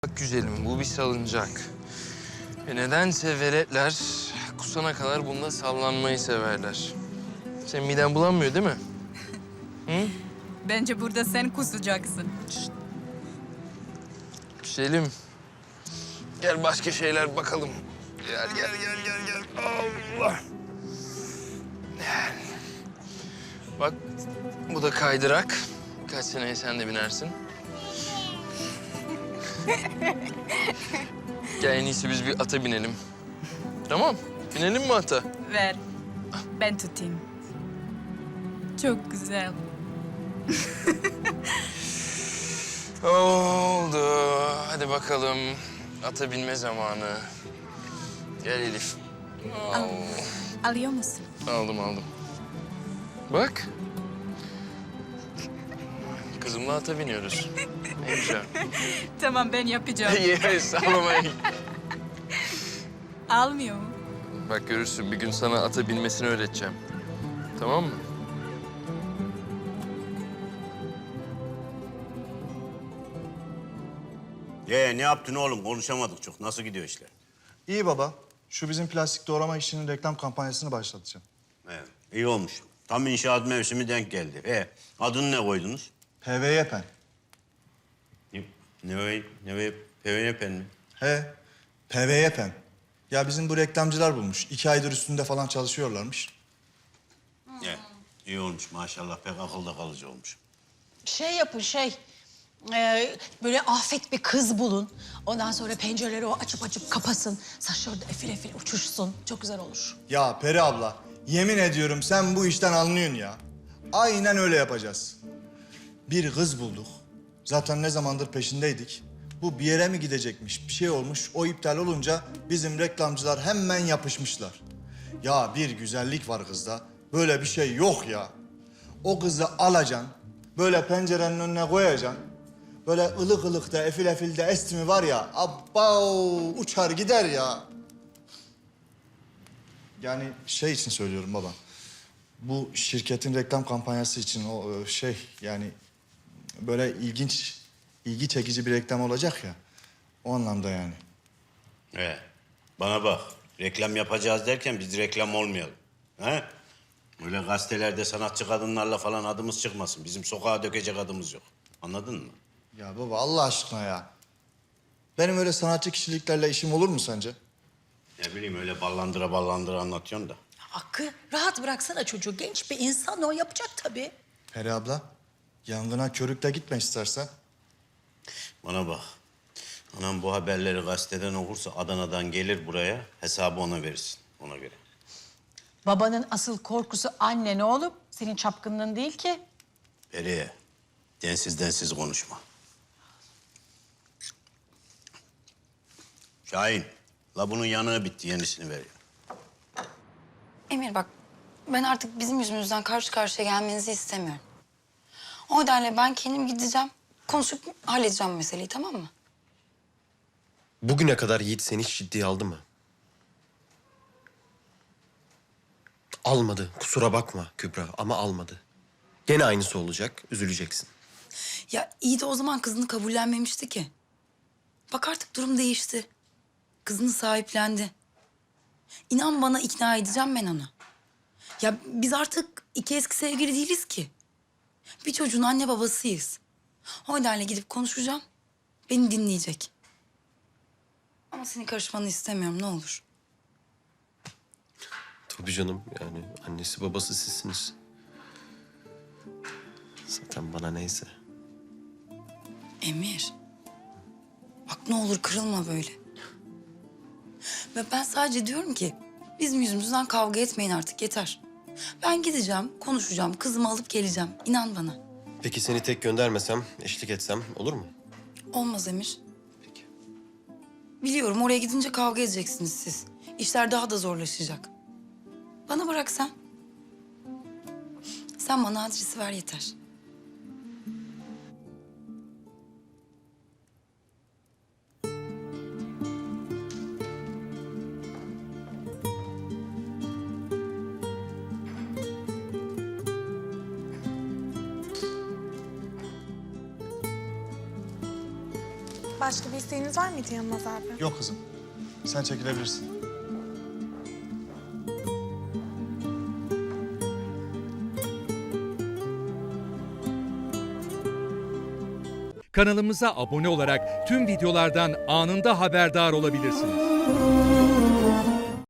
Bak güzelim, bu bir salıncak. Ve nedense veletler kusana kadar bunda sallanmayı severler. Senin miden bulanmıyor değil mi? Hı? Bence burada sen kusacaksın. Güzelim. Gel başka şeyler bakalım. Gel. Allah. Gel. Bak, bu da kaydırak. Birkaç seneye sen de binersin. Gel en iyisi biz bir ata binelim. Tamam, binelim mi ata? Ver. Ben tutayım. Çok güzel. Oldu. Hadi bakalım. Ata binme zamanı. Gel Elif. Alıyor musun? Aldım. Bak. Kızımla ata biniyoruz. Ne güzel. Tamam, ben yapacağım. Yes, ağlamayın. Almıyor mu? Bak görürsün, bir gün sana ata binmesini öğreteceğim. Tamam mı? Ne yaptın oğlum? Konuşamadık çok. Nasıl gidiyor işler? İyi baba. Şu bizim plastik doğrama işinin reklam kampanyasını başlatacağım. Evet, iyi olmuş. Tam inşaat mevsimi denk geldi. Adını ne koydunuz? PVY-PEN. PVN mi? He, PVY-PEN. Ya bizim bu reklamcılar bulmuş. 2 aydır üstünde falan çalışıyorlarmış. İyi olmuş maşallah. Pek akılda kalıcı olmuş. Şey yapın böyle afet bir kız bulun. Ondan sonra pencereleri o açıp kapasın. Saçları da efil uçuşsun. Çok güzel olur. Ya Peri abla, yemin ediyorum sen bu işten anlıyorsun ya. Aynen öyle yapacağız. Bir kız bulduk. Zaten ne zamandır peşindeydik. Bu bir yere mi gidecekmiş, bir şey olmuş. O iptal olunca bizim reklamcılar hemen yapışmışlar. Ya bir güzellik var kızda. Böyle bir şey yok ya. O kızı alacaksın, böyle pencerenin önüne koyacaksın. Böyle ılık ılık da efil de esti mi var ya, abbao uçar gider ya. Yani şey için söylüyorum baba. Bu şirketin reklam kampanyası için o yani böyle ilgi çekici bir reklam olacak ya. O anlamda yani. Bana bak. Reklam yapacağız derken biz reklam olmayalım. He? Öyle gazetelerde sanatçı kadınlarla falan adımız çıkmasın. Bizim sokağa dökecek adımız yok. Anladın mı? Ya baba Allah aşkına ya. Benim öyle sanatçı kişiliklerle işim olur mu sence? Ne bileyim öyle ballandıra anlatıyorsun da. Hakkı rahat bıraksana çocuğu. Genç bir insan o yapacak tabii. Peri abla, yangına körükle gitme istersen. Bana bak. Anam bu haberleri gazeteden okursa Adana'dan gelir buraya. Hesabı ona verirsin. Ona göre. Babanın asıl korkusu annen oğlum. Senin çapkınlığın değil ki. Periye, densiz konuşma. Şahin, la bunun yanığı bitti. Yenisini ver ya. Emir bak, ben artık bizim yüzümüzden karşı karşıya gelmenizi istemiyorum. O nedenle ben kendim gideceğim, konuşup halledeceğim meseleyi, tamam mı? Bugüne kadar Yiğit seni hiç ciddiye aldı mı? Almadı. Kusura bakma Kübra ama almadı. Gene aynısı olacak. Üzüleceksin. Ya iyi de o zaman kızını kabullenmemişti ki. Bak artık durum değişti. Kızını sahiplendi. İnan bana ikna edeceğim ben onu. Ya biz artık iki eski sevgili değiliz ki. Bir çocuğun anne babasıyız. O nedenle gidip konuşacağım. Beni dinleyecek. Ama senin karışmanı istemiyorum ne olur. Tabii canım yani annesi babası sizsiniz. Zaten bana neyse. Emir. Bak ne olur kırılma böyle. Ve ben sadece diyorum ki bizim yüzümüzden kavga etmeyin artık yeter. Ben gideceğim, konuşacağım, kızımı alıp geleceğim. İnan bana. Peki seni tek göndermesem, eşlik etsem olur mu? Olmaz Emir. Peki. Biliyorum oraya gidince kavga edeceksiniz siz. İşler daha da zorlaşacak. Bana bırak sen. Sen bana adresi ver yeter. Başka bir isteğiniz var mıydı Yılmaz abi? Yok kızım. Sen çekilebilirsin. Kanalımıza abone olarak tüm videolardan anında haberdar olabilirsiniz.